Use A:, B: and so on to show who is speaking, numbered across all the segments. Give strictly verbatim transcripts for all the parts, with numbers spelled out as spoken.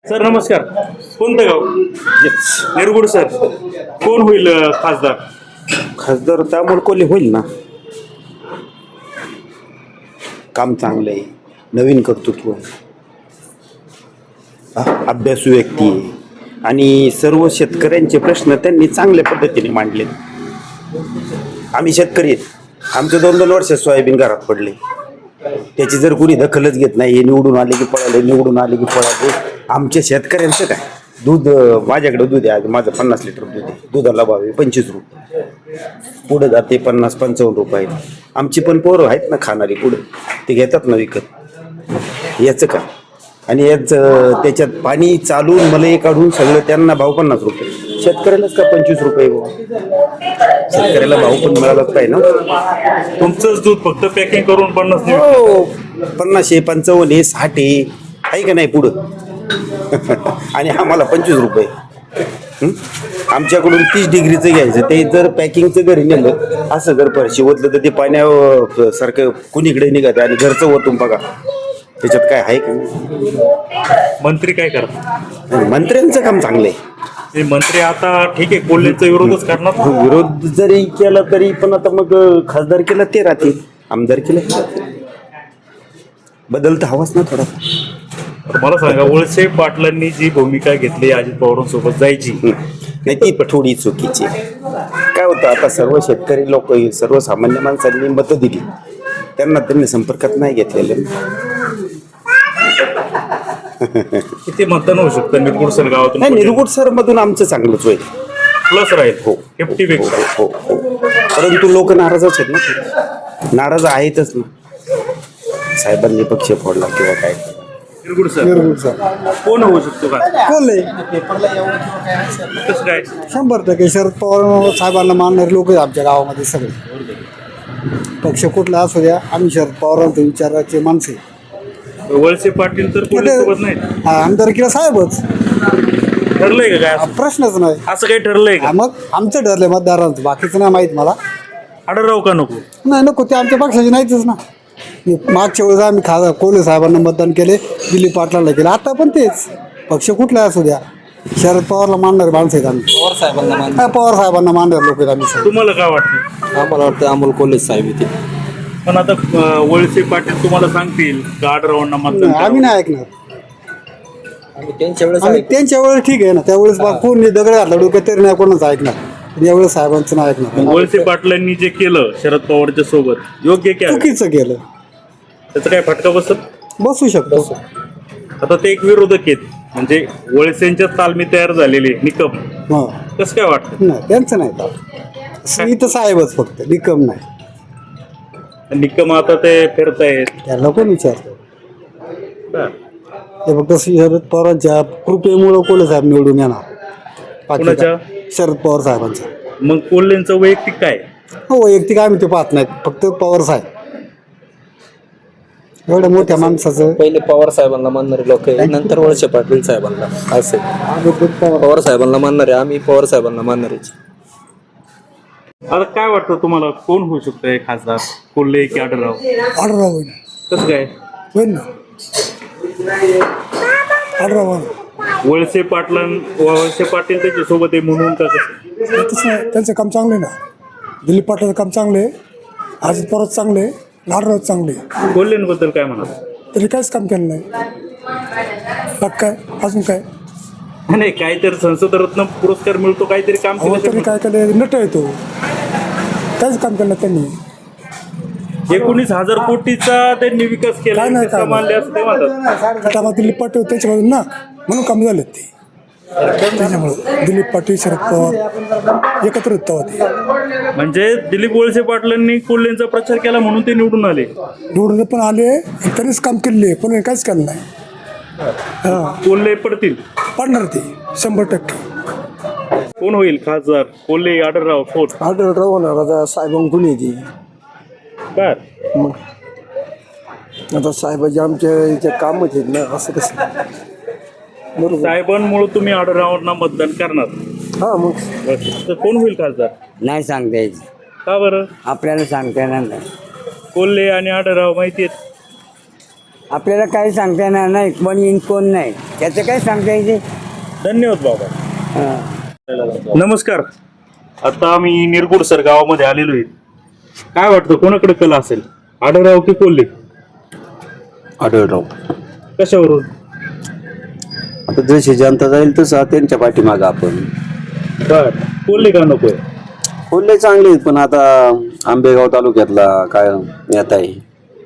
A: Sir नमस्कार. कोणतं गाव? निरगुड. सर कोण होईल अ, खासदार?
B: खासदार तर अमोल कोल्हे होईल ना. काम चांगलं आहे, नवीन कर्तृत्व आहे, आ- अभ्यासू व्यक्ती आहे आणि सर्व शेतकऱ्यांचे प्रश्न त्यांनी चांगल्या पद्धतीने मांडले. आम्ही शेतकरी आहेत, आमचे दोन दोन वर्ष सोयाबीन घरात पडले, त्याची जर कोणी दखलच घेत नाही. हे निवडून आले की पळाले, निवडून आले की पळाले. आमच्या शेतकऱ्यांचं काय, दूध अं, माझ्याकडे दूध आहे, आज माझं पन्नास लिटर दूध आहे, दुधाला भाव आहे पंचवीस रुपये, पुढे जाते पन्नास पंचावन्न रुपये. आमची पण पोरं आहेत ना खाणारी, पुढे ते घेतात ना विकत. याचं का आणि याचं त्याच्यात पाणी चालून मला काढून सगळं त्यांना भाव पन्नास रुपये, शेतकऱ्यालाच का पंचवीस रुपये भाव. शेतकऱ्याला भाव पण मिळालाच पाहिजे ना.
A: तुमचंच दूध फक्त पॅकिंग करून पन्नास नाही.
B: हो, पन्नासशे पंचावन्न हे साठ आहे आहे का नाही पुढं. आणि आम्हाला पंचवीस रुपये. हं? आमच्याकडून तीस डिग्रीचं घ्यायचं, ते जर पॅकिंगचं घरी नेलं असं जर परशी ओतलं तर ते पाण्यावर सारखं कुणीकडे निघत आणि घरचं ओतून बघा, त्याच्यात काय आहे का नाही.
A: मंत्री काय करतात?
B: मंत्र्यांचं काम चांगलं आहे.
A: ते मंत्री आता ठीक आहे, कोल्हेंचा विरोधच करणार.
B: विरोध जरी केला तरी पण आता मग खासदार केला ते राहतील, आमदार केलं हे राहतील. बदल तर हवाच ना थोडा.
A: मला सांगा, वळसे पाटलांनी जी भूमिका घेतली अजित पवारांसोबत जायची,
B: नाही ती थोडी चुकीची आहे. काय होतं, आता सर्व शेतकरी लोक, सर्वसामान्य माणसांनी मतं दिली, त्यांना त्यांनी संपर्कात नाही घेतलेले.
A: किती मतदान होऊ शकतं निरगुड सर गावातून?
B: नाही, निरगुड सर मधून आमचं चांगलंच होईल.
A: प्लस राहील.
B: हो,
A: फिफ्टी पेक्षा.
B: हो हो. परंतु लोक नाराजच आहेत ना, नाराज आहेतच ना. साहेबांनी पक्ष फोडला किंवा काय.
A: निरगुड सर
C: निरगुड सर
A: कोण होऊ शकतो का?
C: कोल्हे
A: कसं काय?
C: शंभर टक्के शरद पवार साहेबांना मानणारे लोक आहेत आमच्या गावामध्ये सगळे. पक्ष कुठला असू द्या, आम्ही शरद पवारांच्या विचाराचे माणसे.
A: वळसे पाटील तर कोल्हेसोबत नाही.
C: हा, आमदारकीला साहेबच.
A: ठरलंय का काय?
C: प्रश्नच नाही.
A: असं काही ठरलंय
C: हा,
A: का?
C: मग आमचं ठरलंय मतदारांचं, बाकीचं नाही माहीत मला.
A: आढळराव का नको?
C: नाही नको, ते आमच्या पक्षाचे नाहीतच ना. मागच्या वेळेस आम्ही खा कोल्हे साहेबांना मतदान केले, दिलीप पाटलांना केलं, आता पण तेच. पक्ष कुठला असू द्या, शरद पवारला मानणारे माणसं आहेत आम्ही.
D: पवार साहेबांना मान
C: हा, पवार साहेबांना मानणारे लोक आहेत आम्ही सगळे.
A: तुम्हाला काय वाटतं?
D: आम्हाला वाटतं अमोल कोल्हे साहेब येते.
A: पण आता अं, वळसे पाटील तुम्हाला सांगतील का आढळरावांना मतदान
C: नाही, आम्ही
A: करावं?
C: नाही ऐकणार.
D: आम्ही त्यांच्या वेळेस
C: आम्ही त्यांच्या वेळेस ठीक आहे ना, त्यावेळेस बा कोणी दगड घातला डोक्यात तरी नाही कोणाचं ऐकणार. पण यावेळेस साहेबांचं नाही ऐकणार.
A: वळसे पाटलांनी जे केलं शरद पवारच्या सोबत योग्य केलं,
C: चुकीचं केलं.
A: त्याचा काय फटका बसत?
C: बसू शकतो.
A: आता ते एक विरोधक आहेत, म्हणजे वळसेंच्या तालमी तयार झालेले निकम,
C: हा,
A: कसं काय वाटतं?
C: नाही त्यांचं नाही तर इथं साहेबच फक्त, निकम नाही.
A: निकम आता ते फिरतायत.
C: त्याला कोण विचारतो.
A: बरं.
C: ते फक्त शरद पवारांच्या कृपेमुळं कोल्हे साहेब निवडून येणार. बाकी
A: कोणाच्या?
C: काय? शरद पवार साहेबांच्या.
A: मग कोल्हेंचं वैयक्तिक काय?
C: हो, वैयक्तिक आम्ही ते पाहत नाहीत, फक्त पवार साहेब. एवढ्या मोठ्या माणसाचं
D: पहिले पवार साहेबांना मानणारे लोक आहे, नंतर वळसे पाटील साहेबांना. असे पवार साहेबांना मानणारे, आम्ही पवार साहेबांना मानणारे.
A: आता काय वाटतं तुम्हाला, कोण होऊ शकतं खासदार, कोल्हे की आढळराव?
C: आढळराव होईल.
A: कसं काय?
C: होईल ना, आढळराव.
A: वळसे पाटलां वळसे पाटील त्याच्या सोबत आहे म्हणून का कसं?
C: तसं त्यांचं काम चांगलं आहे ना. दिलीप पाटलाचं काम चांगलं आहे, अजित पवार चांगले आहे, आढळराव चांगले आहे.
A: कोल्हेंबद्दल काय म्हणाल?
C: तरी काहीच काम केलं नाही. बाग काय अजून काय,
A: नाही, काहीतरी संसद रत्न पुरस्कार मिळतो, काहीतरी काम
C: अहो
A: केलं
C: तरी काय केलं, नट येतो. काहीच काम केलं नाही त्यांनी.
A: एकोणीस हजार कोटीचा त्यांनी विकास केला,
C: काय नाही, काय
A: मानले असं ते म्हणतात.
C: आता दिलीप पाटील त्यांच्यामधून ना, म्हणून काम झालेत ते. त्याच्यामुळं दिलीप पाटील शरद पवार एकत्र होत तेव्हा ते.
A: म्हणजे दिलीप वळसे पाटलांनी कोल्हेंचा प्रचार केला म्हणून ते निवडून आले.
C: निवडून पण आले आणि त्यांनीच काम केले, पण काहीच केलं नाही. हां,
A: कोल्हे पडतील.
C: पडणार ते शंभर टक्के.
A: कोण होईल खासदार, कोल्हे आढळराव कोण?
C: आढळराव होणार. आता साहेबांकडून येते.
A: बर.
C: मग आता साहेबाचे आमच्या इथे कामच आहेत ना, असं कसं. बरोबर.
A: साहेबांमुळे तुम्ही आढळरावांना मतदान करणार.
C: हां, मग
A: तर कोण होईल खासदार?
E: नाही सांगता यायचं,
A: का बरं?
E: आपल्याला सांगता येणार नाही.
A: कोल्हे आणि आढळराव माहिती आहेत.
E: आपल्याला काही सांगता येणार नाही कोण येईन कोण नाही त्याचं काय सांगता येते.
A: धन्यवाद बाबा. नमस्कार. आता आम्ही निरगुडसर गावामध्ये आलेलो आहे. काय वाटतं कोणाकडे कला असेल, आढळराव की कोल्हे?
F: आढळराव.
A: कशावरून?
F: आता जशी जनता जाईल तसं त्यांच्या पाठीमागं आपण.
A: बर, कोल्हे का नकोय?
F: कोल्हे चांगले आहेत, पण आता आंबेगाव तालुक्यातला काय नेता आहे.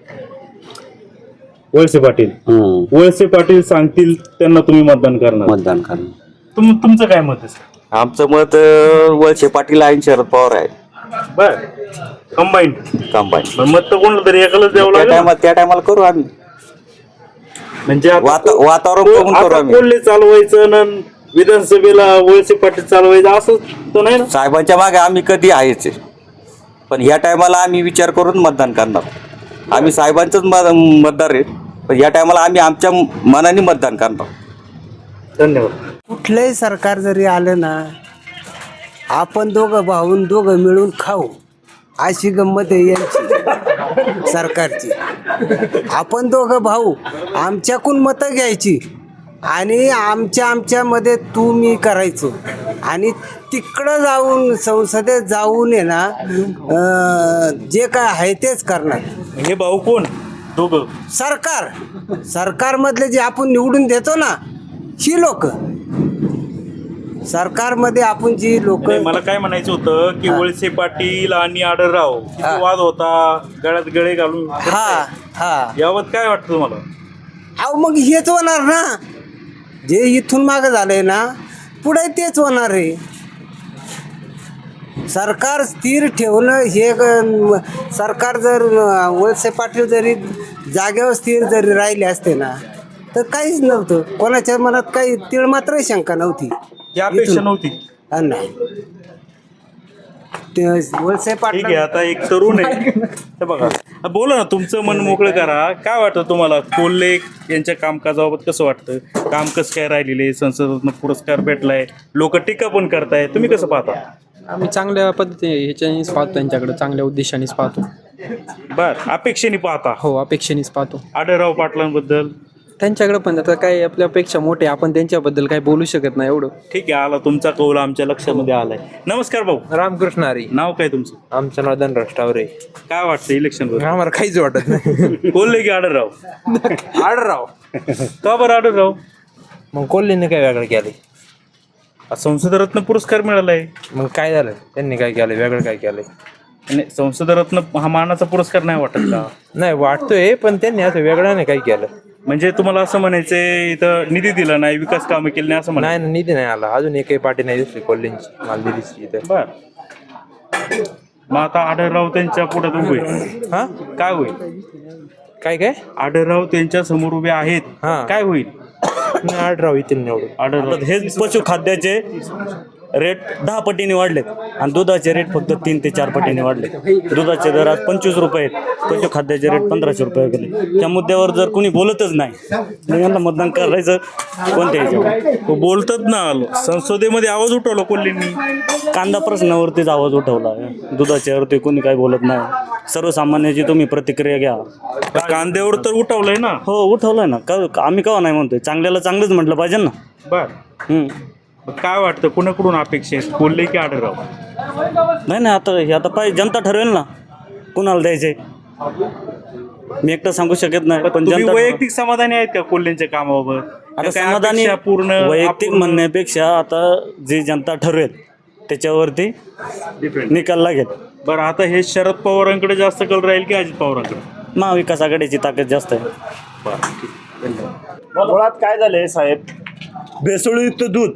A: वळसे पाटील.
F: हम्म
A: वळसे पाटील सांगतील त्यांना तुम्ही मतदान करणार.
F: मतदान करणं.
A: तुम तुमचं काय मत आहे?
G: आमचं मत अं, वळसे पाटील आणि शरद पवार आहे.
A: बर, कंबाईन.
G: कंबाईन
A: मत तर कोणाला तरी एकालाच द्यावं
G: त्या
A: लागेल ना?
G: टायमाला त्या टायमाला करू आम्ही.
A: म्हणजे आता
G: वाता-
A: को-
G: वातावरण
A: को-
G: बघून करू
A: आता
G: आम्ही.
A: कोल्हे चालवायचं ना विधानसभेला वळसे पाटील चालवायचं असं तर नाही ना?
G: साहेबांच्या मागे आम्ही कधी आहेच आहे. पण ह्या टायमाला आम्ही विचार करून मतदान करणार. आम्ही साहेबांचंच मत- मतदार आहे, पण या टायमाला आम्ही आमच्या मनाने मतदान करणार.
A: धन्यवाद.
E: कुठलंही सरकार जरी आलं ना आपण दोघं भाऊन दोघं मिळून खाऊ अशी गंमत आहे यांची सरकारची. आपण दोघं भाऊ आमच्याकडून मतं घ्यायची आणि आमच्या आमच्यामध्ये तू मी करायचो आणि तिकडं जाऊन संसदेत जाऊन आहे ना अं, जे काय आहे तेच करणार.
A: हे भाऊ कोण दोघं?
E: सरकार सरकारमधले जे आपण निवडून देतो ना ही लोक सरकारमध्ये आपण जी लोक
A: नाही, मला काय म्हणायचं होतं की वळसे पाटील आणि आढळराव
E: हा.
A: वाद होता, गळ्यात गळे घालून
E: हा हा
A: यावत काय वाटतं तुम्हाला?
E: अहो मग हेच होणार ना जे इथून मागं झालंय ना पुढे तेच होणार आहे. सरकार स्थिर ठेवणं हे ग- सरकार जर अं, वळसे पाटील जरी जागेवर स्थिर जरी राहिले असते ना तर काहीच नव्हतं. कोणाच्या मनात काही तीळ मात्र शंका नव्हती.
A: ही अपेक्षा
E: इथून-
A: नव्हती.
E: हा, नाही ते वळसे
A: ठीक आहे,
E: पाटील
A: आता एक तरुण आहे तर बघा, बोला ना, तुमचं मन मोकळं करा. काय वाटतं तुम्हाला कोल्हे यांच्या कामकाजाबाबत कसं वाटतं? काम कसं काय राहिलेले, संसदेतनं पुरस्कार भेटलाय, लोक टीका पण करताय, तुम्ही कसं पाहता?
H: आम्ही चांगल्या पद्धतीने ह्याच्यानेच पाहतो, त्यांच्याकडे चांगल्या उद्देशानेच पाहतो.
A: बर, अपेक्षेने पाहता.
H: हो, अपेक्षेनेच पाहतो.
A: आढळराव पाटलांबद्दल
H: त्यांच्याकडे पण आता काय आपल्यापेक्षा मोठे, आपण त्यांच्याबद्दल काही बोलू शकत नाही एवढं.
A: ठीक आहे, आला तुमचा कौल आमच्या लक्षामध्ये आलाय. नमस्कार भाऊ,
I: रामकृष्ण हरी.
A: नाव काय तुमचं?
I: आमचं नाव धनराज टावरे.
A: काय वाटतं इलेक्शन बद्दल?
I: आम्हाला काहीच वाटत नाही.
A: कोल्हे की आढळराव?
I: आडराव.
A: का बरं आढळराव?
I: मग कोल्हेने काय वेगळं केलंय?
A: संसदरत्न पुरस्कार मिळालाय.
I: मग काय झालं त्यांनी काय केलंय वेगळं काय केलंय?
A: आणि संसदरत्न हा मानाचा पुरस्कार नाही वाटत का?
I: नाही वाटतोय, पण त्यांनी असं वेगळं नाही काय केलं.
A: म्हणजे तुम्हाला असं म्हणायचंय इथं निधी दिला नाही, विकास कामं केली नाही असं म्हणा.
I: नाही ना, निधी नाही आला अजून. एकही पार्टी नाही दिसली कोल्हेंची मला दिसली इथं.
A: बर, मग आता आढळराव त्यांच्या पुढे उभे
I: हा
A: काय होईल?
I: काय काय
A: आढळराव त्यांच्या समोर उभे आहेत,
I: हा.
A: काय होईल?
I: नाही आडराव येतील निवडून.
A: आढळराव
J: हेच पशुखाद्याचे रेट दहा पटीने वाढलेत आणि दुधाचे रेट फक्त तीन ते चार पटीने वाढले. दुधाचे दर आज पंचवीस रुपये आहेत, पशुखाद्याचे रेट पंधराशे रुपये गेले. त्या मुद्द्यावर जर कोणी बोलतच नाही मग यांना मतदान करायचं कोणत्या ह्याच्यावर?
A: तो बोलतात ना, संसदेमध्ये आवाज उठवला कोल्हेंनी.
J: कांदा प्रश्नावरतीच आवाज उठवला, दुधाच्यावरती कोणी काही बोलत नाही. सर्वसामान्याची तुम्ही प्रतिक्रिया घ्या.
A: कांद्यावर तर उठवलंय ना.
J: हो, उठवलंय ना. का आम्ही केव्हा नाही म्हणतोय, चांगल्याला चांगलंच म्हटलं पाहिजे ना.
A: बर,
J: हम्म.
A: मग काय वाटतं कुणाकडून अपेक्षा आहेत, कोल्हे की आढळराव?
J: नाही नाही, आता हे आता पाहिजे, जनता ठरवेल ना कुणाला द्यायचे. मी एकटं सांगू शकत नाही, पण
A: तुम्ही
J: जनता
A: वैयक्तिक समाधानी आहेत का कोल्हेंच्या कामाबाबत?
J: आता
A: का काय
J: समाधानी
A: अपेक्षा पूर्ण
J: वैयक्तिक
A: अपूर्ण?
J: म्हणण्यापेक्षा आता जी जनता ठरवेल त्याच्यावरती निकाल लागेल.
A: बरं, आता हे शरद पवारांकडे जास्त कल राहील की अजित पवारांकडे?
J: महाविकास आघाडीची ताकद जास्त आहे.
B: मुळात काय झालंय साहेब, भेसळयुक्त दूध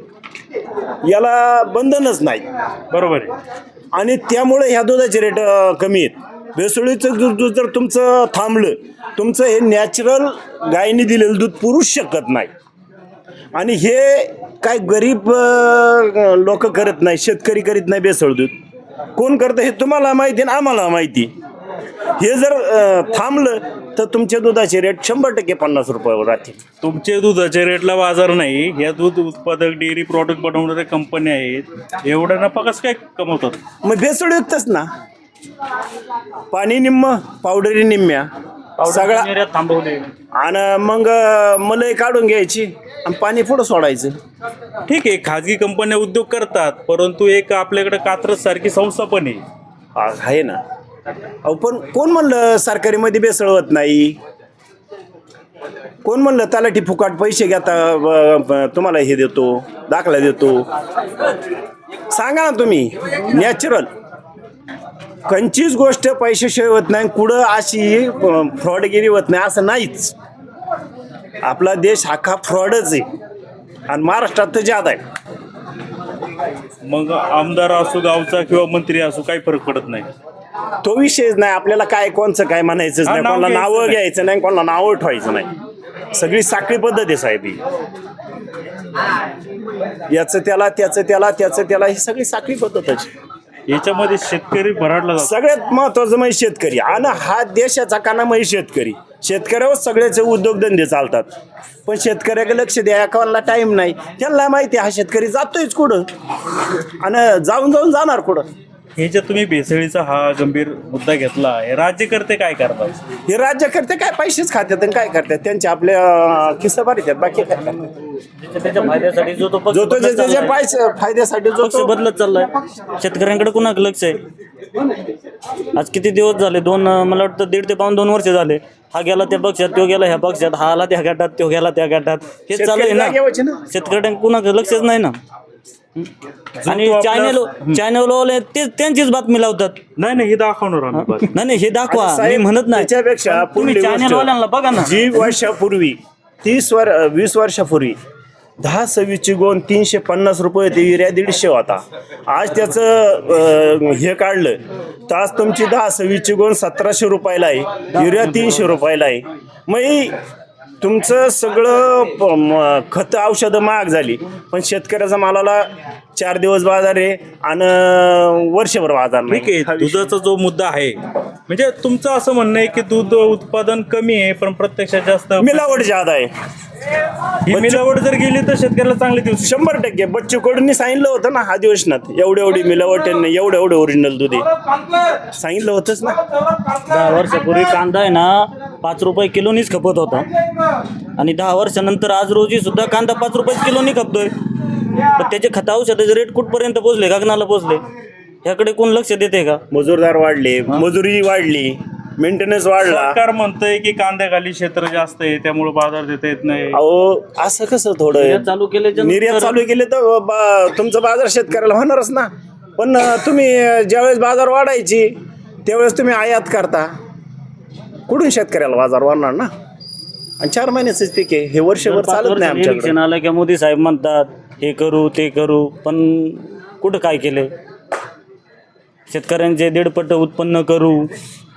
B: याला बंधनच नाही,
A: बरोबर आहे.
B: आणि त्यामुळे ह्या दुधाचे रेट अ, कमी आहेत. भेसळयुक्त दूध दूध जर तुमचं थांबलं, तुमचं हे नॅचरल गायीने दिलेलं दूध पुरूच शकत नाही. आणि हे काय गरीब लोक करत नाही, शेतकरी करीत नाही. भेसळ दूध कोण करतं हे तुम्हाला माहिती आणि आम्हाला माहिती. हे जर अ, थांबलं तर तुमच्या दुधाचे रेट शंभर टक्के पन्नास रुपयावर राहतील.
A: तुमचे दुधाच्या रेटला बाजार नाही, या दूध उत्पादक डेअरी प्रॉडक्ट बनवणाऱ्या कंपन्या आहेत, एवढा नफा कसं काय कमवतात?
B: मग भेसळयुक्तच ना. पाणी निम्म, पावडरी निम्म्या.
F: सगळा
J: निर्यात थांबवली.
F: आणि मग मलई काढून घ्यायची आणि पाणी पुढं सोडायचं.
A: ठीक आहे, खाजगी कंपन्या उद्योग करतात, परंतु एक आपल्याकडे कात्रज सारखी संस्था पण आहे.
F: हा, आहे ना. अहो पण कोण म्हणलं सरकारीमध्ये बेसळ होत नाही? कोण म्हणलं तलाठी फुकाट पैसे घेता ब- ब- तुम्हाला हे देतो, दाखला देतो? सांगा ना तुम्ही. नॅचरल कंचीच गोष्ट पैशाशिवाय होत नाही, कुठं अशी फ्रॉडगिरी होत नाही असं नाहीच. आपला देश हा का फ्रॉडच आहे आणि महाराष्ट्रात तर ज्यादा आहे.
A: मग आमदार असो गावचा किंवा मंत्री असो काही फरक पडत नाही.
F: तो विषयच नाही. आपल्याला काय कोणचं काय म्हणायचंच
A: हा,
F: नाही,
A: नाव
F: कोणाला
A: घ्यायचं
F: नावं
A: नाही.
F: घ्यायचं नाही, कोणाला नावं ठेवायचं नाही. सगळी साखळी पद्धत आहे साहेब ही. याचं त्याला त्याचं त्याला त्याचं त्याला ही सगळी साखळी पद्धतच.
A: याच्यामध्ये शेतकरी भराडला जातो.
F: सगळ्यात महत्वाचं म्हणजे शेतकरी आणि हा देशाचा काना म्हणजे शेतकरी. शेतकऱ्यावर सगळ्याचे उद्योगधंदे चालतात, पण शेतकऱ्याकडे लक्ष द्या कोणाला टाइम नाही. त्यांना माहिती आहे हा शेतकरी जातोयच कुठं आणि जाऊन जाऊन जाणार कुठं.
A: हे जे तुम्ही भेसळीचा हा गंभीर मुद्दा घेतला, हे राज्यकर्ते काय करतात?
F: हे राज्यकर्ते काय पैसेच खात्यात आणि काय करतात, त्यांचे आपल्या खिस्सा भरतात, बाकी काय करतात.
J: त्याच्या फायद्यासाठी जो तो पक्ष
F: जो तो
J: बदलत
F: ज्याच्या
J: चाललाय.
F: पैसे फायद्यासाठी जो
J: पक्ष
F: तो
J: बदलत चाललाय. शेतकऱ्यांकडे कुणाकडे लक्ष आहे? आज किती दिवस झाले? दोन मला वाटतं दीड ते पाऊन दोन वर्ष झाले. हा गेला त्या पक्षात, तो गेला ह्या पक्षात, हा आला त्या गटात, तो गेला त्या गटात. हे चालू आहे
F: शेतकरी जागेवरचे
J: ना.
F: ना.
J: शेतकऱ्यांकडे कुणाकडे लक्षच नाही ना. आणि
A: तो आपला-
J: चॅनल चॅनलवाले ते त्यांचीच बातमी लावतात.
A: नाही नाही, हे दाखवणार आम्ही बस.
J: नाही नाही हे दाखवा,
F: आता
J: मी
F: साहेब,
J: म्हणत नाही.
F: त्याच्यापेक्षा
J: तुम्ही
F: पुढली गोष्ट,
J: चॅनलवाल्यांना बघा ना.
F: जी वर्षापूर्वी तीस वर वीस वर्षापूर्वी दहा सव्वीसची गोण तीनशे पन्नास रुपये ते युरिया दीडशे होता. आज त्याचं अं, हे काढलं तर आज तुमची दहा सव्वीसची गोण सतराशे रुपयाला आहे, युरिया तीनशे रुपयाला आहे. मग ही तुमचं सगळं प- म- खतं औषधं महाग झाली, पण शेतकऱ्याचा मालाला चार दिवस बाजार आहे आणि वर्षभर बाजार
A: ठीक आहे,
F: नाही.
A: दुधाचा जो मुद्दा आहे, म्हणजे तुमचं असं म्हणणं आहे की दूध उत्पादन कमी आहे पण प्रत्यक्षात जास्त
F: मिलावट ज्यादा आहे.
A: ही मिलावट जर गेली तर शेतकऱ्याला चांगली दिवस.
F: शंभर टक्के बच्चू कडूंनी सांगितलं होतं ना अधिवेशनात, एवढे एवढी मिलावट आहे, एवढं एवढं ओरिजिनल दूध आहे, सांगितलं होतंच ना.
J: दहा वर्षापूर्वी कांदा आहे ना पाच रुपये किलोनीच खपत होता आणि दहा वर्षानंतर आज रोजी सुद्धा कांदा पाच रुपये किलोनी खपतोय. पण त्याचे खता औषधाचे रेट कुठपर्यंत पोहोचले? गगनाला पोहोचले. ह्याकडे कोण लक्ष देते का?
F: मजूरदार वाढले, मजुरी वाढली, मेंटेनन्स वाढला.
A: सरकार म्हणतंय की कांद्याखाली क्षेत्र जास्त आहे त्यामुळे बाजार देता येत नाही.
F: अहो असं कसं थोडं
J: निर्यात चालू केल्याच्या
F: निर्यात
J: नंतर-
F: चालू केले तर बा- तुमचं बाजार शेतकऱ्याला होणारच ना. पण अं, तुम्ही ज्यावेळेस बाजार वाढायची त्यावेळेस तुम्ही आयात करता, कुठून शेतकऱ्याला बाजार वाढणार ना. आणि चार महिन्याचंच पीक आहे, हे वर्षभर
J: पाच
F: चालत नाही
J: वर्षांनी
F: आमच्याकडे.
J: इलेक्शन आलं की मोदी साहेब म्हणतात हे करू ते करू, पण कुठं काय केले? शेतकऱ्यांचे दीडपट उत्पन्न करू,